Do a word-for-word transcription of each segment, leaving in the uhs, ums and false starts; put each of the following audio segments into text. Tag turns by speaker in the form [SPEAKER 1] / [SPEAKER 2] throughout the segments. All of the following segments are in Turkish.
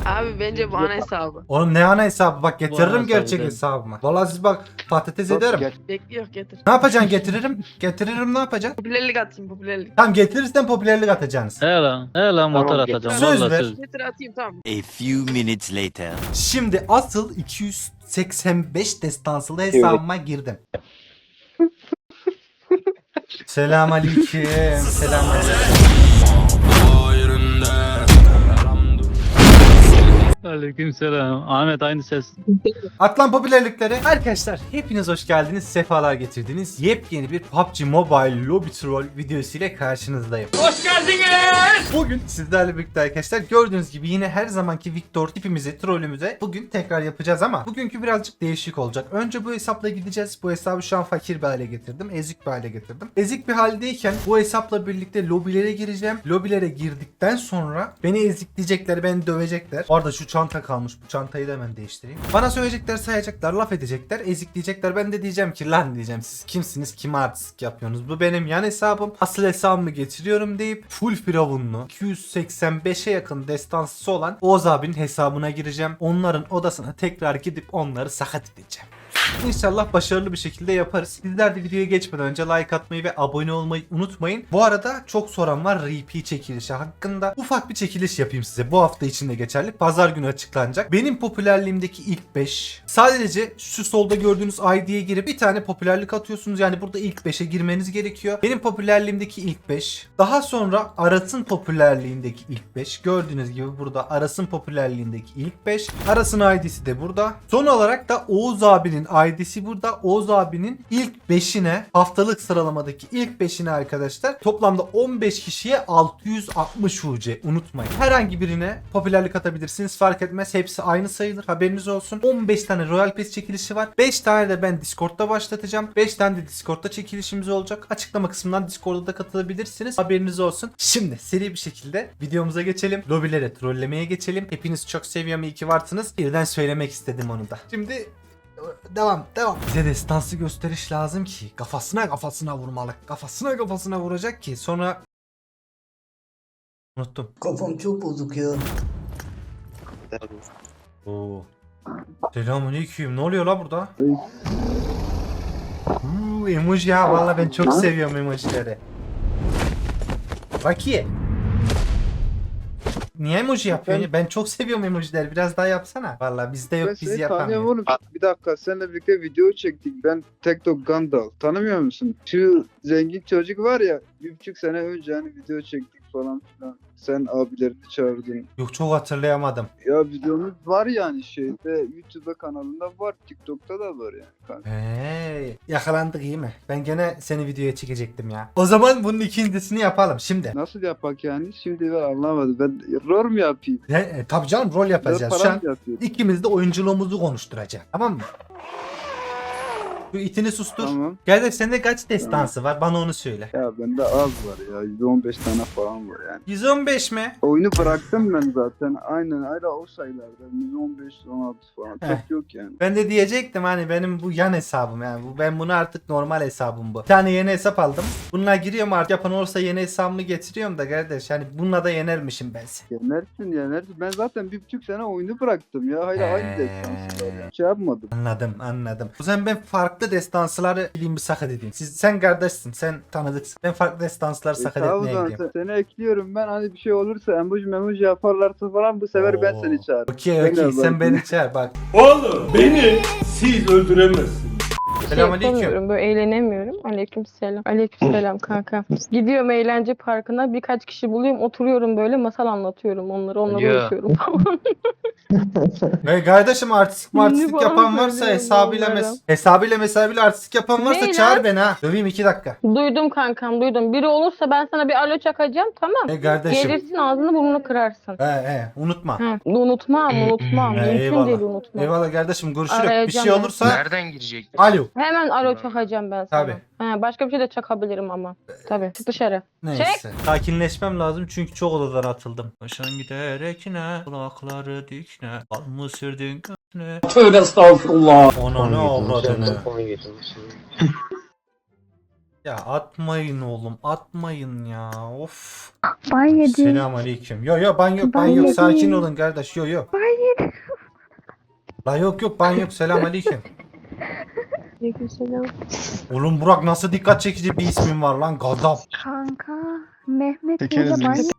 [SPEAKER 1] Abi bence bu ana hesabı.
[SPEAKER 2] Oğlum ne ana hesabı, bak getiririm
[SPEAKER 3] ana
[SPEAKER 2] gerçek
[SPEAKER 3] hesabı
[SPEAKER 2] hesabımı. Vallahi siz bak patates ederim.
[SPEAKER 4] Geç.
[SPEAKER 1] Bekliyor getir.
[SPEAKER 2] Ne yapacaksın, getiririm. Getiririm, ne yapacaksın?
[SPEAKER 1] Popülerlik atayım popülerlik.
[SPEAKER 2] Tamam, getirirsen popülerlik atacaksınız.
[SPEAKER 3] He lan. He lan motor
[SPEAKER 4] Tamam,
[SPEAKER 3] atacağım.
[SPEAKER 2] söz
[SPEAKER 3] Vallahi
[SPEAKER 2] ver.
[SPEAKER 3] söz.
[SPEAKER 1] Getir atayım tamam.
[SPEAKER 5] A few minutes later.
[SPEAKER 2] Şimdi asıl iki yüz seksen beş destansılı hesabıma girdim. Selamünaleyküm. Selamünaleyküm.
[SPEAKER 3] Aleykümselam. Ahmet aynı ses.
[SPEAKER 2] Atlan popülerlikleri. Arkadaşlar hepiniz hoş geldiniz. Sefalar getirdiniz. Yepyeni bir P U B G Mobile Lobby Troll videosu ile karşınızdayım. Hoş geldiniz. Bugün sizlerle birlikte arkadaşlar gördüğünüz gibi yine her zamanki Victor tipimizi, trollümüze bugün tekrar yapacağız ama bugünkü birazcık değişik olacak. Önce bu hesapla gideceğiz. Bu hesabı şu an fakir bir hale getirdim. Ezik bir hale getirdim. Ezik bir haldeyken bu hesapla birlikte lobilere gireceğim. Lobilere girdikten sonra beni ezikleyecekler, beni dövecekler. Orada şu çanta kalmış. Bu çantayı da hemen değiştireyim. Bana söyleyecekler, sayacaklar, laf edecekler, ezikleyecekler. Ben de diyeceğim ki lan diyeceğim, siz kimsiniz, kime artistik yapıyorsunuz? Bu benim yan hesabım. Asıl hesabımı getiriyorum deyip full firavunlu iki yüz seksen beşe yakın destansısı olan Oğuz abinin hesabına gireceğim. Onların odasına tekrar gidip onları sakat edeceğim. İnşallah başarılı bir şekilde yaparız. Sizler de videoya geçmeden önce like atmayı ve abone olmayı unutmayın. Bu arada çok soran var R P çekilişi hakkında. Ufak bir çekiliş yapayım size. Bu hafta içinde geçerli. Pazar günü açıklanacak. Benim popülerliğimdeki ilk beş. Sadece şu solda gördüğünüz I D'ye girip bir tane popülerlik atıyorsunuz. Yani burada ilk beşe girmeniz gerekiyor. Benim popülerliğimdeki ilk beş. Daha sonra Aras'ın popülerliğindeki ilk beş. Gördüğünüz gibi burada Aras'ın popülerliğindeki ilk beş. Aras'ın I D'si de burada. Son olarak da Oğuz abinin I D'si burada. Oğuz abinin ilk beşine, haftalık sıralamadaki ilk beşine arkadaşlar toplamda on beş kişiye altı yüz altmış U C, unutmayın. Herhangi birine popülerlik atabilirsiniz, fark etmez, hepsi aynı sayılır, haberiniz olsun. on beş tane Royal Pass çekilişi var. beş tane de ben Discord'da başlatacağım. beş tane de Discord'da çekilişimiz olacak. Açıklama kısmından Discord'da da katılabilirsiniz, haberiniz olsun. Şimdi seri bir şekilde videomuza geçelim. Lobilere trollemeye geçelim. Hepiniz çok seviyorum, iyi ki varsınız. Birden söylemek istedim onu da. Şimdi devam devam. Bize destansı gösteriş lazım ki kafasına kafasına vurmalı. Kafasına kafasına vuracak ki sonra unuttum.
[SPEAKER 6] Kafam çok bozuk ya.
[SPEAKER 2] Oo. Selamünaleyküm. Ne oluyor la burada? Uuu, emoji ya, vallahi ben çok seviyorum emojileri. Baki. Niye emoji yapıyorsun? ya? Ben çok seviyorum emojileri. Biraz daha yapsana. Vallahi bizde yok,
[SPEAKER 7] Ben
[SPEAKER 2] biz
[SPEAKER 7] seni
[SPEAKER 2] yapamıyoruz.
[SPEAKER 7] tanıyorum oğlum. Bir dakika seninle birlikte video çektik. Ben Tektok Gandal. Tanımıyor musun? Şu zengin çocuk var ya, bir buçuk sene önce hani video çektik falan filan. Sen abilerini çağırdın.
[SPEAKER 2] Yok, çok hatırlayamadım.
[SPEAKER 7] Ya videomuz var yani şeyde, YouTube kanalında var, TikTok'ta da var yani kanka.
[SPEAKER 2] Hey, yakalandık iyi mi? Ben gene seni videoya çekecektim ya. O zaman bunun ikincisini yapalım şimdi.
[SPEAKER 7] Nasıl yapak yani? Şimdi ben anlamadım. Ben rol mu yapayım?
[SPEAKER 2] E, e, tabii canım, rol
[SPEAKER 7] Rol
[SPEAKER 2] yapacağız. Şu
[SPEAKER 7] para
[SPEAKER 2] an
[SPEAKER 7] mı yapayım?
[SPEAKER 2] ikimiz de oyunculuğumuzu konuşturacağız. Tamam mı? Şu itini sustur.
[SPEAKER 7] Tamam.
[SPEAKER 2] Kardeş, sende kaç destansı var? Bana onu söyle.
[SPEAKER 7] Ya bende az var ya. yüz on beş tane falan var yani.
[SPEAKER 2] yüz on beş mi?
[SPEAKER 7] Oyunu bıraktım ben zaten. Aynen hala o sayılarda. yüz on beş yüz on altı falan.
[SPEAKER 2] Heh.
[SPEAKER 7] Çok yok yani.
[SPEAKER 2] Ben de diyecektim hani benim bu yan hesabım yani. Bu, ben bunu artık normal hesabım bu. Bir tane yeni hesap aldım. Bununla giriyorum artık, yapan olursa yeni hesabımı getiriyorum da kardeş. Hani bununla da yenermişim ben seni.
[SPEAKER 7] Yenersin yenersin. Ben zaten bir buçuk sene oyunu bıraktım ya. Hala aynı
[SPEAKER 2] He.
[SPEAKER 7] destansı var yani. Şey yapmadım.
[SPEAKER 2] Anladım anladım. O zaman ben farklı destansıları bileyim bir sakat edeyim. Siz, sen kardeşsin, sen tanıdıksın. Ben farklı destansıları
[SPEAKER 7] E,
[SPEAKER 2] sakat
[SPEAKER 7] tamam o
[SPEAKER 2] etmeye
[SPEAKER 7] zaman
[SPEAKER 2] gidiyorum.
[SPEAKER 7] sen- seni ekliyorum ben. Hani bir şey olursa emoji memoji yaparlarsa falan bu sefer ben
[SPEAKER 2] Oo.
[SPEAKER 7] seni çağırırım.
[SPEAKER 2] Okey
[SPEAKER 7] Ben
[SPEAKER 2] okey,
[SPEAKER 7] de
[SPEAKER 2] sen
[SPEAKER 7] bak-
[SPEAKER 2] beni çağır bak.
[SPEAKER 8] Oğlum beni siz öldüremezsiniz.
[SPEAKER 9] şey
[SPEAKER 2] Selamünaleyküm.
[SPEAKER 9] yapamıyorum, böyle eğlenemiyorum. Aleykümselam. Aleykümselam kanka. Gidiyorum eğlence parkına, birkaç kişi buluyorum, oturuyorum böyle masal anlatıyorum onları, onları
[SPEAKER 3] Ya.
[SPEAKER 9] uyutuyorum falan.
[SPEAKER 2] Ve kardeşim artistik martistik
[SPEAKER 9] Şimdi
[SPEAKER 2] yapan
[SPEAKER 9] falan
[SPEAKER 2] varsa
[SPEAKER 9] söylüyorum
[SPEAKER 2] hesabıyla
[SPEAKER 9] onlara.
[SPEAKER 2] mes hesabıyla mesabıyla artistik yapan varsa
[SPEAKER 9] Neyle?
[SPEAKER 2] çağır beni ha. Döveyim iki dakika.
[SPEAKER 9] Duydum kankam, duydum. Biri olursa ben sana bir alo çakacağım, tamam.
[SPEAKER 2] E kardeşim.
[SPEAKER 9] Gelirsin ağzını burnunu kırarsın.
[SPEAKER 2] He he, unutma.
[SPEAKER 9] Hı, unutmam, unutmam.
[SPEAKER 2] He,
[SPEAKER 9] Mümkün
[SPEAKER 2] eyvallah.
[SPEAKER 9] değil unutmam.
[SPEAKER 2] Eyvallah kardeşim, görüşürüz. Bir
[SPEAKER 9] Arayacağım
[SPEAKER 2] şey
[SPEAKER 9] ben.
[SPEAKER 2] olursa
[SPEAKER 5] Nereden girecek?
[SPEAKER 2] alo.
[SPEAKER 9] Hemen alo çakacağım ben sana.
[SPEAKER 2] Tabii.
[SPEAKER 9] He, başka bir şey de çakabilirim ama. Tabii. Çık dışarı.
[SPEAKER 2] Neyse. Sakinleşmem lazım çünkü çok odadan atıldım. Başan giderek ne? Kulakları dikne. Al mı sürdün götüne?
[SPEAKER 8] Tövbe estağfurullah.
[SPEAKER 2] Ona ne avradını. Ya atmayın oğlum, atmayın ya. Of.
[SPEAKER 4] Ban yedi.
[SPEAKER 2] Selamünaleyküm. Yo yo ban yok, ban
[SPEAKER 4] Ban
[SPEAKER 2] yok.
[SPEAKER 4] yedi.
[SPEAKER 2] Sakin olun kardeş. Yo yo.
[SPEAKER 4] Ban yedi.
[SPEAKER 2] La yok yok ban yok. Selamünaleyküm.
[SPEAKER 9] Aleykümselam.
[SPEAKER 2] Oğlum Burak nasıl dikkat çekici bir ismin var lan, gadap.
[SPEAKER 4] Kanka Mehmet
[SPEAKER 6] Tekeriz
[SPEAKER 4] böyle ban
[SPEAKER 6] biz.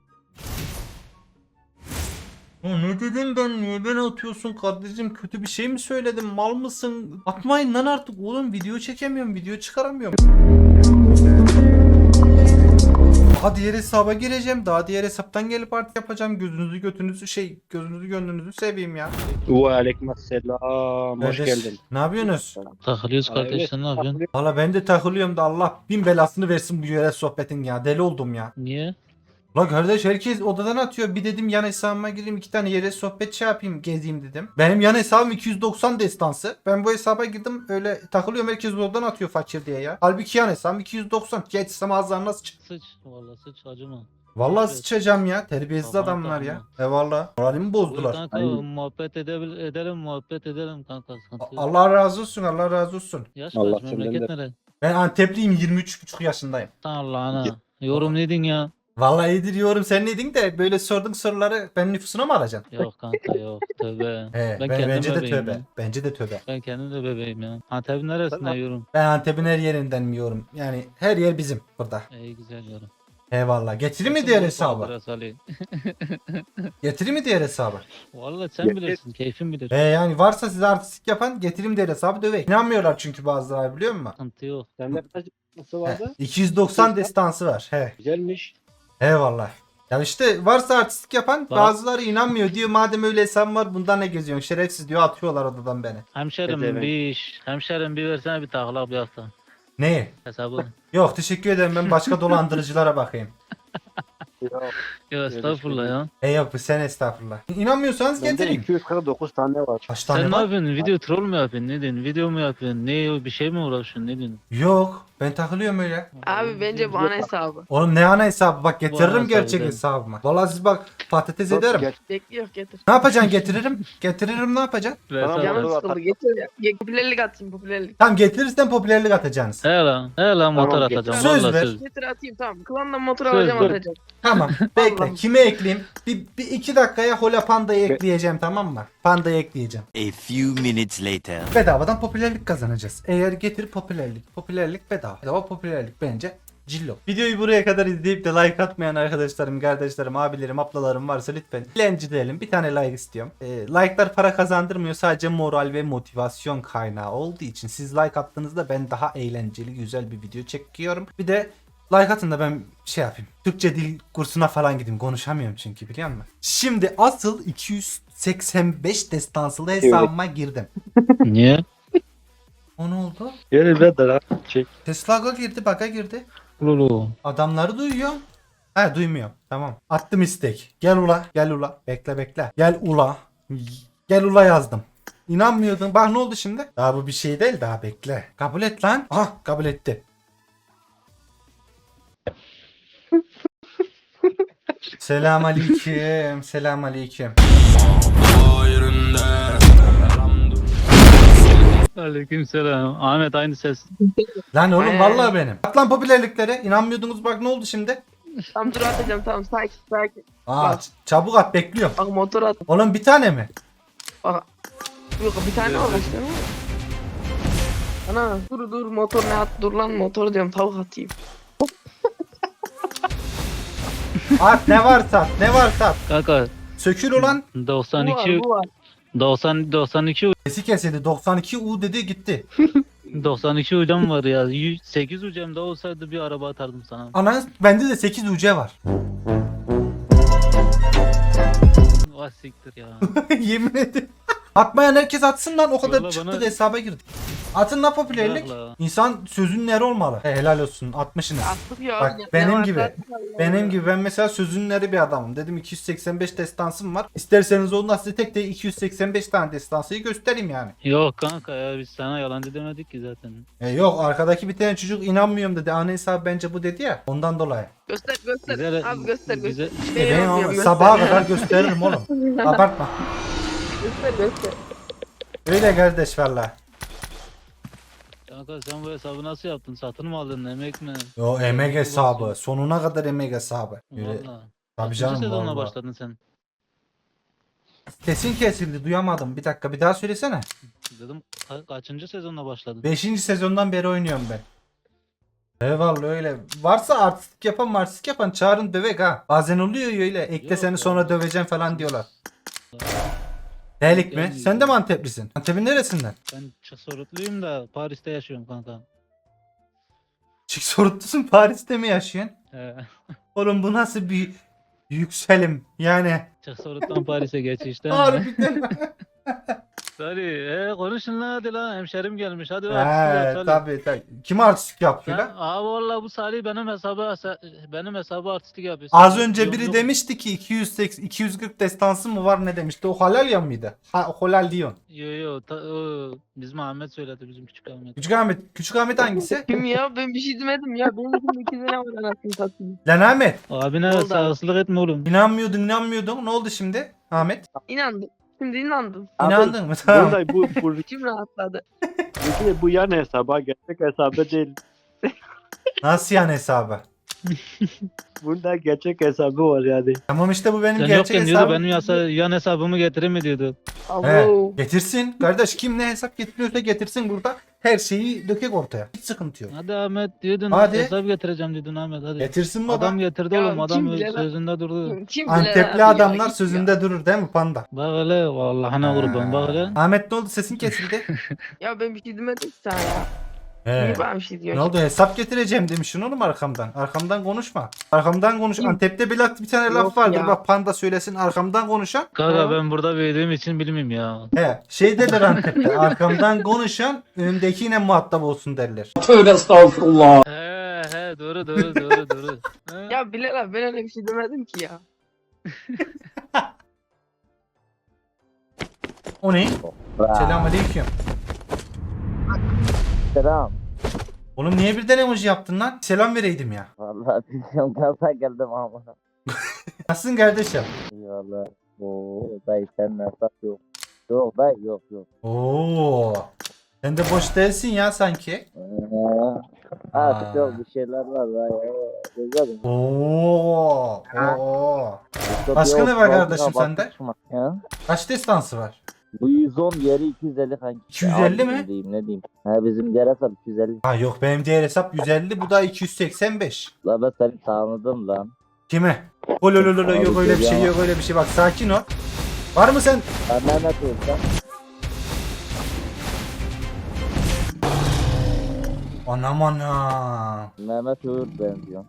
[SPEAKER 2] Ya ne dedin ben, niye beni atıyorsun kardeşim, kötü bir şey mi söyledim, mal mısın? Atmayın lan artık oğlum, video çekemiyorum, video çıkaramıyorum. Daha diğer hesaba gireceğim, daha diğer hesaptan gelip artık yapacağım, gözünüzü götünüzü şey gözünüzü gönlünüzü seveyim ya.
[SPEAKER 10] Ve aleykümselam. Hoş
[SPEAKER 2] Kardeş,
[SPEAKER 10] geldin.
[SPEAKER 2] ne yapıyorsunuz?
[SPEAKER 3] Takılıyoruz
[SPEAKER 10] Aa,
[SPEAKER 3] kardeş
[SPEAKER 10] evet,
[SPEAKER 3] sen ne yapıyorsun?
[SPEAKER 2] Valla ben de takılıyorum da Allah bin belasını versin bu yerel sohbetin ya, deli oldum ya.
[SPEAKER 3] Niye?
[SPEAKER 2] La kardeş herkes odadan atıyor. Bir dedim yan hesabıma gireyim, iki tane yere sohbet şey yapayım, gezeyim dedim. Benim yan hesabım iki yüz doksan destansı. Ben bu hesaba girdim öyle takılıyorum, herkes odadan atıyor fakir diye ya. Halbuki yan hesabım iki yüz doksan. Geçsem ağızlarına sıç.
[SPEAKER 3] Sıç. Valla sıç acıma.
[SPEAKER 2] Vallahi
[SPEAKER 3] Evet.
[SPEAKER 2] sıçacağım ya. Terbiyesiz
[SPEAKER 3] Tamam,
[SPEAKER 2] adamlar ya.
[SPEAKER 3] tamam.
[SPEAKER 2] E valla. Moralimi
[SPEAKER 3] Buyur
[SPEAKER 2] bozdular.
[SPEAKER 3] kanka
[SPEAKER 10] Aynen.
[SPEAKER 3] muhabbet edebil edelim muhabbet edelim kanka.
[SPEAKER 2] A-
[SPEAKER 3] Sıkıntı yok.
[SPEAKER 2] Allah razı olsun, Allah razı olsun.
[SPEAKER 3] Yaş
[SPEAKER 10] Allah
[SPEAKER 3] kaç,
[SPEAKER 10] senden
[SPEAKER 3] memleket
[SPEAKER 10] de-
[SPEAKER 3] nere?
[SPEAKER 2] Ben Antepliyim, yirmi üç buçuk yaşındayım.
[SPEAKER 3] Sen Allah'ına. Yorum neydin ya?
[SPEAKER 2] Vallahi iyidir yorum, sen neydin de böyle sorduğun soruları ben nüfusuna mı alacaksın?
[SPEAKER 3] Yok kanka yok. Tövbe.
[SPEAKER 2] He, ben,
[SPEAKER 3] kendim
[SPEAKER 2] bence de
[SPEAKER 3] bebeğim
[SPEAKER 2] tövbe.
[SPEAKER 3] ya.
[SPEAKER 2] Bence de tövbe.
[SPEAKER 3] Ben kendim de bebeğim ya. Antep'in neresinde
[SPEAKER 10] Tamam.
[SPEAKER 3] yorum?
[SPEAKER 2] Ben Antep'in her yerinden mi yorum? Yani her yer bizim burada.
[SPEAKER 3] İyi güzel yorum.
[SPEAKER 2] Eyvallah. Getireyim mi diğer hesabı? Getireyim mi diğer hesabı?
[SPEAKER 3] Valla sen
[SPEAKER 10] Getir.
[SPEAKER 3] bilirsin. Keyfin bilir.
[SPEAKER 2] He yani varsa size artistik yapan getireyim diğer hesabı dövek. İnanmıyorlar çünkü bazıları, biliyor musun?
[SPEAKER 3] Sıkıntı yok.
[SPEAKER 10] Sende kaç nasıl
[SPEAKER 2] He,
[SPEAKER 10] vardı?
[SPEAKER 2] iki yüz doksan destansı var. He.
[SPEAKER 10] Güzelmiş.
[SPEAKER 2] Eyvallah. Ya işte varsa artistik yapan
[SPEAKER 3] Bak.
[SPEAKER 2] bazıları inanmıyor, diyor madem öyle hesabım var bundan ne geziyorsun şerefsiz diyor, atıyorlar odadan beni.
[SPEAKER 3] Hemşerim
[SPEAKER 10] Evet, evet.
[SPEAKER 3] bir iş. Hemşerim bir versene bir takla bir hafta.
[SPEAKER 2] Ne?
[SPEAKER 3] Hesabı.
[SPEAKER 2] Yok teşekkür ederim, ben başka dolandırıcılara bakayım.
[SPEAKER 3] Yo estağfurullah ya.
[SPEAKER 2] E yok sen estağfurullah. İnanmıyorsanız
[SPEAKER 10] Bende
[SPEAKER 2] getireyim.
[SPEAKER 10] iki yüz kırk dokuz tane var.
[SPEAKER 2] Kaç tane
[SPEAKER 3] Sen ne
[SPEAKER 2] var?
[SPEAKER 3] yapıyorsun? Video troll mu yapıyorsun? Ne diyorsun? Video mu yapıyorsun? Ne bir şey mi uğraşıyorsun? Ne diyorsun?
[SPEAKER 2] Yok ben takılıyorum öyle.
[SPEAKER 1] Abi bence bu ana hesabı.
[SPEAKER 2] Oğlum ne ana hesabı, bak getiririm
[SPEAKER 3] hesabı
[SPEAKER 2] gerçek
[SPEAKER 3] değil.
[SPEAKER 2] hesabıma. Vallahi siz bak patates
[SPEAKER 10] Yok,
[SPEAKER 2] ederim.
[SPEAKER 10] gel.
[SPEAKER 1] Bekliyor getir.
[SPEAKER 2] Ne yapacaksın, getiririm. Getiririm, ne yapacaksın?
[SPEAKER 10] Tamam,
[SPEAKER 3] Hesabı.
[SPEAKER 1] Canım
[SPEAKER 10] motor
[SPEAKER 1] sıkıldı
[SPEAKER 10] atar.
[SPEAKER 1] getir. Ya, popülerlik atayım popülerlik.
[SPEAKER 2] Tamam getirirsen popülerlik atacaksınız.
[SPEAKER 3] He lan. He lan motor
[SPEAKER 10] Tamam,
[SPEAKER 3] atacağım.
[SPEAKER 2] söz
[SPEAKER 3] Vallahi
[SPEAKER 2] ver.
[SPEAKER 3] söz.
[SPEAKER 1] Getir atayım tamam. Klandan motor
[SPEAKER 3] Söz
[SPEAKER 1] alacağım
[SPEAKER 3] ver.
[SPEAKER 1] atacağım.
[SPEAKER 2] Tamam bekle,
[SPEAKER 1] Allah'ım.
[SPEAKER 2] kime ekleyeyim? Bir, bir iki dakikaya Hola Panda'yı ekleyeceğim, tamam mı? Panda'yı ekleyeceğim.
[SPEAKER 5] A few minutes later.
[SPEAKER 2] Bedavadan popülerlik kazanacağız. Eğer getir popülerlik. Popülerlik bedava. Bedava popülerlik bence cillo. Videoyu buraya kadar izleyip de like atmayan arkadaşlarım, kardeşlerim, abilerim, ablalarım varsa lütfen dilerim. Bir tane like istiyorum. Ee, like'lar para kazandırmıyor. Sadece moral ve motivasyon kaynağı olduğu için siz like attığınızda ben daha eğlenceli, güzel bir video çekiyorum. Bir de like atın da ben şey yapayım. Türkçe dil kursuna falan gideyim. Konuşamıyorum çünkü, biliyor musun? Şimdi asıl iki yüz seksen beş destansılı hesabıma girdim.
[SPEAKER 3] Niye?
[SPEAKER 2] O ne oldu?
[SPEAKER 10] Gel be daha. Çek.
[SPEAKER 2] Tesla girdi, baka girdi.
[SPEAKER 3] Lulu.
[SPEAKER 2] Adamları duyuyor. He duymuyor. Tamam. Attım istek. Gel ula. Gel ula. Bekle bekle. Gel ula. Gel ula yazdım. İnanmıyordun. Bak ne oldu şimdi? Daha bu bir şey değil, daha bekle. Kabul et lan. Ah kabul etti. Selam aleyküm. Selam aleyküm.
[SPEAKER 3] Aleykümselam. Ahmet aynı ses.
[SPEAKER 2] Lan oğlum
[SPEAKER 1] Ee.
[SPEAKER 2] vallahi benim. At lan popülerliklere. İnanmıyordunuz, bak ne oldu şimdi?
[SPEAKER 1] Tamam dur atacağım tamam sakin sakin.
[SPEAKER 2] Aa
[SPEAKER 1] Bak.
[SPEAKER 2] ç- çabuk at, bekliyorum.
[SPEAKER 1] Bak motor at.
[SPEAKER 2] Oğlum bir tane mi?
[SPEAKER 1] Bak. Yok bir tane olmuş değil mi? Ana dur dur motor ne at dur lan motor diyorum tavuk atayım.
[SPEAKER 2] At ne varsa at. Ne varsa at.
[SPEAKER 3] Kanka
[SPEAKER 2] Sökül ulan.
[SPEAKER 1] Bu
[SPEAKER 3] doksan iki
[SPEAKER 1] var bu var.
[SPEAKER 3] doksan doksan iki
[SPEAKER 2] Sesi kesildi. doksan iki U dedi gitti.
[SPEAKER 3] doksan iki hocam var ya. yüz sekiz hocam da olsaydı bir araba atardım sana.
[SPEAKER 2] Ana bende de sekiz U C var.
[SPEAKER 3] Vah siktir ya.
[SPEAKER 2] Yemin ederim. Atmayan herkes atsın lan, o kadar
[SPEAKER 3] Vallahi
[SPEAKER 2] çıktı
[SPEAKER 3] bana-
[SPEAKER 2] da hesaba girdik. Atın lan popülerlik.
[SPEAKER 3] Vallahi.
[SPEAKER 2] İnsan sözünün eri olmalı. He, helal olsun atmışsınız.
[SPEAKER 1] Attık ya.
[SPEAKER 2] Bak,
[SPEAKER 1] Ne
[SPEAKER 2] benim
[SPEAKER 1] varsa
[SPEAKER 2] gibi.
[SPEAKER 1] attık Allah
[SPEAKER 2] Benim
[SPEAKER 1] Allah.
[SPEAKER 2] gibi ben mesela sözünün eri bir adamım. Dedim iki yüz seksen beş destansım var. İsterseniz ondan size tek tek iki yüz seksen beş tane destansıyı göstereyim yani.
[SPEAKER 3] Yok kanka ya biz sana yalancı demedik ki zaten.
[SPEAKER 2] E yok, arkadaki bir tane çocuk inanmıyorum dedi. Ana hesabı bence bu dedi ya. Ondan dolayı.
[SPEAKER 1] Göster göster.
[SPEAKER 3] Güzel,
[SPEAKER 1] Abi göster göster.
[SPEAKER 3] güzel.
[SPEAKER 2] E
[SPEAKER 1] Ben
[SPEAKER 2] ben
[SPEAKER 1] yapmıyorum,
[SPEAKER 2] o-
[SPEAKER 1] göster.
[SPEAKER 2] sabaha kadar gösteririm oğlum. Abartma.
[SPEAKER 1] Göster göster.
[SPEAKER 2] Öyle kardeş valla.
[SPEAKER 3] Ya Kanka sen bu hesabı nasıl yaptın? Satın mı aldın? Emek mi?
[SPEAKER 2] Yo emek
[SPEAKER 3] Nasıl
[SPEAKER 2] hesabı.
[SPEAKER 3] basıyorsun?
[SPEAKER 2] Sonuna kadar emek hesabı. Öyle.
[SPEAKER 3] Valla.
[SPEAKER 2] Tabii
[SPEAKER 3] Kaçıncı
[SPEAKER 2] canım
[SPEAKER 3] sezonla
[SPEAKER 2] valla.
[SPEAKER 3] başladın sen?
[SPEAKER 2] Sesin kesildi duyamadım. Bir dakika bir daha söylesene.
[SPEAKER 3] Dedim ka- kaçıncı sezonla başladın?
[SPEAKER 2] Beşinci sezondan beri oynuyorum ben. Eyvallah öyle. Varsa artistik yapan artistik yapan çağırın dövek ha. Bazen oluyor ya öyle. Ekle
[SPEAKER 3] Yok
[SPEAKER 2] seni
[SPEAKER 3] ya.
[SPEAKER 2] sonra döveceğim falan diyorlar. Delik mi?
[SPEAKER 3] Gelmiyor.
[SPEAKER 2] Sen de mi Anteplisin? Antep'in neresinden?
[SPEAKER 3] Ben Sorutluyum da Paris'te yaşıyorum kanka.
[SPEAKER 2] Çık sorutlusun Paris'te mi yaşıyorsun?
[SPEAKER 3] He.
[SPEAKER 2] Oğlum bu nasıl bir yükselim yani.
[SPEAKER 3] Çık Sorut'tan Paris'e geç işte.
[SPEAKER 2] Harbiden.
[SPEAKER 3] Hadi e, konuşun lan hadi lan hemşerim gelmiş hadi artistlik yap
[SPEAKER 2] He
[SPEAKER 3] Salih.
[SPEAKER 2] tabii tabii. Kim artistik yapıyor
[SPEAKER 3] Sen,
[SPEAKER 2] lan?
[SPEAKER 3] abi valla bu Salih benim hesabı benim hesabı artistlik yapıyor.
[SPEAKER 2] Az
[SPEAKER 3] Sen-
[SPEAKER 2] önce
[SPEAKER 3] yok,
[SPEAKER 2] biri
[SPEAKER 3] yok.
[SPEAKER 2] demişti ki iki yüz seksen iki yüz kırk destansı mı var ne demişti? O halal ya mıydı? Ha halal diyorsun.
[SPEAKER 3] Yo yo ta, o, bizim Ahmet söyledi bizim küçük Ahmet.
[SPEAKER 2] Küçük Ahmet. Küçük Ahmet hangisi?
[SPEAKER 1] Kim ya? Ben bir şey demedim ya. Benim için iki sene var anasını satayım.
[SPEAKER 2] Lan Ahmet.
[SPEAKER 3] Abine
[SPEAKER 1] Oldu abi.
[SPEAKER 3] saygısızlık etme oğlum.
[SPEAKER 2] İnanmıyordun inanmıyordun. Ne oldu şimdi? Ahmet.
[SPEAKER 1] İnandım. Şimdi inandım.
[SPEAKER 10] Abi,
[SPEAKER 2] İnandın mı? Tamam.
[SPEAKER 10] Bunda bu, bu,
[SPEAKER 1] İçim rahatladı.
[SPEAKER 10] bu, bu yan hesaba gerçek hesabı değil.
[SPEAKER 2] Nasıl yani hesabı?
[SPEAKER 10] Bunda gerçek hesabı var yani.
[SPEAKER 2] Tamam işte bu benim
[SPEAKER 3] Sen
[SPEAKER 2] gerçek
[SPEAKER 3] yokken diyordu
[SPEAKER 2] hesabım.
[SPEAKER 3] benim yasa, yan hesabımı getirir mi diyordu.
[SPEAKER 2] He,
[SPEAKER 1] Abo.
[SPEAKER 2] getirsin. Kardeş kim ne hesap getiriyorsa getirsin burada. Her şeyi dökek ortaya. Hiç sıkıntı yok.
[SPEAKER 3] Hadi Ahmet diyordun
[SPEAKER 2] Hadi.
[SPEAKER 3] hesap getireceğim diyordun Ahmet hadi.
[SPEAKER 2] Getirsin baba.
[SPEAKER 3] Adam getirdi
[SPEAKER 1] Ya
[SPEAKER 3] oğlum adam
[SPEAKER 1] kim bilir lan?
[SPEAKER 3] sözünde durdu.
[SPEAKER 1] Kim bilir
[SPEAKER 2] Antepli
[SPEAKER 1] abi ya,
[SPEAKER 2] adamlar
[SPEAKER 1] git
[SPEAKER 2] sözünde durur değil mi panda?
[SPEAKER 3] Bak hele vallahına kurban bak hele.
[SPEAKER 2] Ahmet ne oldu sesin kesildi?
[SPEAKER 1] Ya. Ya ben bir şey demedim ki sana ya.
[SPEAKER 2] He.
[SPEAKER 1] Niye bana bir şey
[SPEAKER 2] Ne
[SPEAKER 1] diyorsun?
[SPEAKER 2] oldu hesap getireceğim demişsin oğlum arkamdan. Arkamdan konuşma. Arkamdan konuş.
[SPEAKER 1] Kim?
[SPEAKER 2] Antep'te bir, laf- bir tane
[SPEAKER 1] Yok
[SPEAKER 2] laf vardır.
[SPEAKER 1] ya.
[SPEAKER 2] Bak panda söylesin arkamdan konuşan.
[SPEAKER 3] Kanka
[SPEAKER 1] Ha?
[SPEAKER 3] ben burada büyüdüğüm için bilmiyorum ya.
[SPEAKER 2] He, şey derler Antep'te. Arkamdan konuşan önündekiyle muhatap olsun derler.
[SPEAKER 8] Tövbe estağfurullah.
[SPEAKER 3] He he doğru doğru doğru doğru. He.
[SPEAKER 1] Ya Bilal abi ben öyle bir şey demedim ki ya.
[SPEAKER 2] O ne? Selamünaleyküm.
[SPEAKER 6] Selam.
[SPEAKER 2] Oğlum niye birden emoji yaptın lan? Selam vereydim ya.
[SPEAKER 6] Vallahi bilmiyorum gaza geldim ama.
[SPEAKER 2] Nasılsın kardeşim?
[SPEAKER 6] Eyvallah. Oo dayı sen nasıl yok. Yok dayı yok yok.
[SPEAKER 2] Oo. Sen de boş değilsin ya sanki.
[SPEAKER 6] Ee, artık yok bir şeyler var dayı. Güzelim.
[SPEAKER 2] Oo. Oo. Başka ne var kardeşim sende?
[SPEAKER 6] Ya?
[SPEAKER 2] Kaç destansı var?
[SPEAKER 6] Bu yüz on yeri iki yüz elli kanki.
[SPEAKER 2] iki yüz elli mi?
[SPEAKER 6] Ne diyeyim ne diyeyim. Ha bizim diğer hesap iki yüz elli.
[SPEAKER 2] Ha yok benim diğer hesap yüz elli bu da iki yüz seksen beş.
[SPEAKER 6] La ben seni tanıdım lan.
[SPEAKER 2] Kime? Ololololo yok öyle bir şey yok öyle bir şey bak sakin ol. Var mı sen?
[SPEAKER 6] Ben Mehmet Uğur'dan.
[SPEAKER 2] Anam anam.
[SPEAKER 6] Mehmet Uğur benziyor.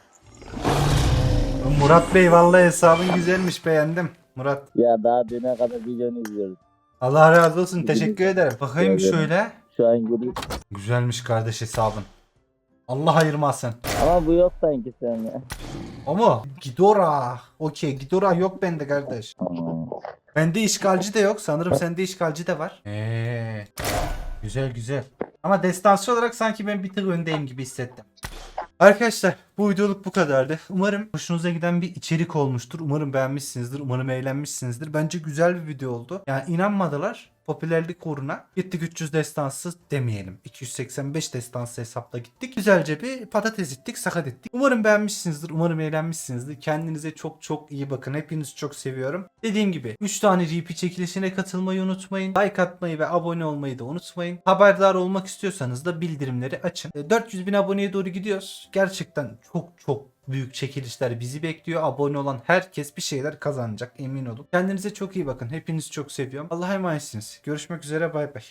[SPEAKER 2] Murat Bey vallahi hesabın güzelmiş beğendim. Murat.
[SPEAKER 6] Ya daha düne kadar videonu izliyoruz.
[SPEAKER 2] Allah razı olsun teşekkür ederim. Bakayım
[SPEAKER 6] Ederim.
[SPEAKER 2] şöyle.
[SPEAKER 6] Şu an gülüyor.
[SPEAKER 2] Güzelmiş kardeş hesabın. Allah ayırmasın.
[SPEAKER 6] Ama bu yok sanki sende.
[SPEAKER 2] Ama Gidora. Okey Gidora yok bende kardeş.
[SPEAKER 6] Hmm.
[SPEAKER 2] Bende işgalci de yok. Sanırım sende işgalci de var. Eee. Güzel güzel. Ama destansı olarak sanki ben bir tık öndeyim gibi hissettim. Arkadaşlar bu videoluk bu kadardı. Umarım hoşunuza giden bir içerik olmuştur. Umarım beğenmişsinizdir. Umarım eğlenmişsinizdir. Bence güzel bir video oldu. Yani inanmadılar. Popülerlik uğruna gittik üç yüz destansı demeyelim. iki yüz seksen beş destansı hesapla gittik. Güzelce bir patates ettik, sakat ettik. Umarım beğenmişsinizdir. Umarım eğlenmişsinizdir. Kendinize çok çok iyi bakın. Hepinizi çok seviyorum. Dediğim gibi üç tane R P çekilişine katılmayı unutmayın. Like atmayı ve abone olmayı da unutmayın. Haberdar olmak istiyorsanız da bildirimleri açın. dört yüz bin aboneye doğru gidiyoruz. Gerçekten çok çok büyük çekilişler bizi bekliyor. Abone olan herkes bir şeyler kazanacak emin olun. Kendinize çok iyi bakın. Hepinizi çok seviyorum. Allah'a emanetsiniz. Görüşmek üzere bay bay.